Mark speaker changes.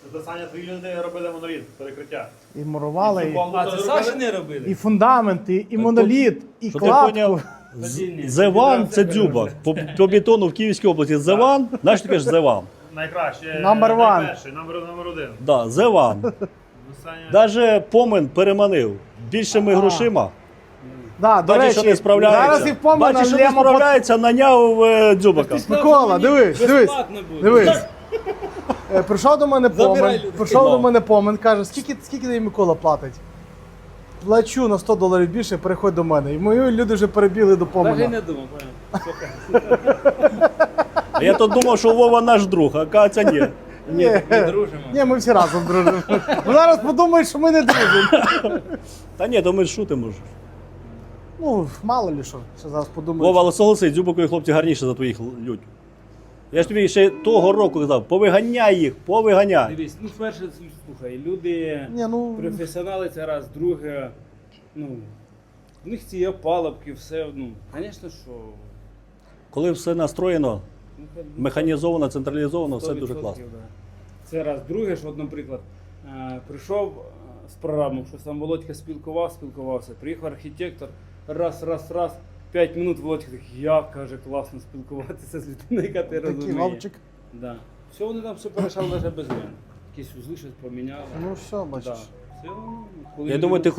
Speaker 1: Це Саня, твої люди робили моноліт, перекриття.
Speaker 2: І мурували, і,
Speaker 3: А, це Саші не робили?
Speaker 2: і фундамент, і моноліт, і
Speaker 4: Що ти
Speaker 2: кладку.
Speaker 4: поняв?
Speaker 3: Тоді ні.
Speaker 4: Зеван це дзюба. По бетону в Київській області Зеван, знаєш, ти кажеш Зеван.
Speaker 1: Найкраще.
Speaker 2: Number one.
Speaker 1: Найперший, номер один.
Speaker 4: Да, Зеван.
Speaker 1: Ну, Саня...
Speaker 4: Даже Помен переманив більшими грошима.
Speaker 2: Да, до
Speaker 4: Бачиш,
Speaker 2: речі,
Speaker 4: що не справляється.
Speaker 2: зараз і помина
Speaker 4: Бачиш, що не
Speaker 2: Лемо
Speaker 4: справляється, наняв дзюбака.
Speaker 2: Микола, дивись, дивись.
Speaker 3: Безплатно буде.
Speaker 2: Дивись. Прийшов до мене
Speaker 3: Забирай
Speaker 2: Помен,
Speaker 3: людей.
Speaker 2: прийшов до мене Помен, каже, скільки тобі Микола платить? Плачу на $100 більше, переходь до мене. І мої люди вже перебігли до
Speaker 3: Навіть
Speaker 2: Помена.
Speaker 3: не думав, понял.
Speaker 4: А я то думав, що Вова наш друг, а кажеться ні.
Speaker 2: Ні,
Speaker 3: Ми дружимо.
Speaker 2: ні, ми всі разом дружимо. Ну, зараз подумають, що ми не дружимо.
Speaker 4: Та ні, то ми ж шутимо ж.
Speaker 2: Ну, мало ли що зараз подумають.
Speaker 4: Вова, але согласись, дзюбакові хлопці гарніше за твоїх людь. Я ж тобі ще того року казав, повиганяй їх, повиганяй.
Speaker 3: Дивись, ну перше, слухай, люди
Speaker 2: Ні, ну,
Speaker 3: професіонали це раз, друге, ну, в них ці опалубки, все, ну, звісно, що...
Speaker 4: Коли все настроєно,
Speaker 3: ну,
Speaker 4: механізовано, централізовано, все
Speaker 3: 100%,
Speaker 4: дуже класно.
Speaker 3: да. Це раз. Друге, що, от, наприклад, прийшов з програмою, що там Володька спілкувався, приїхав архітектор, раз, 5 минут Володька так, як, каже, класно спілкуватися з людиною, яка ти
Speaker 2: такий
Speaker 3: розуміє.
Speaker 2: вовчик.
Speaker 3: Да. Все, вони там все порішали навіть без мене. Якісь узли щось поміняли.
Speaker 2: Ну все, бачиш.
Speaker 3: Да. Все, коли
Speaker 4: Я
Speaker 3: люди-
Speaker 4: думаю, ти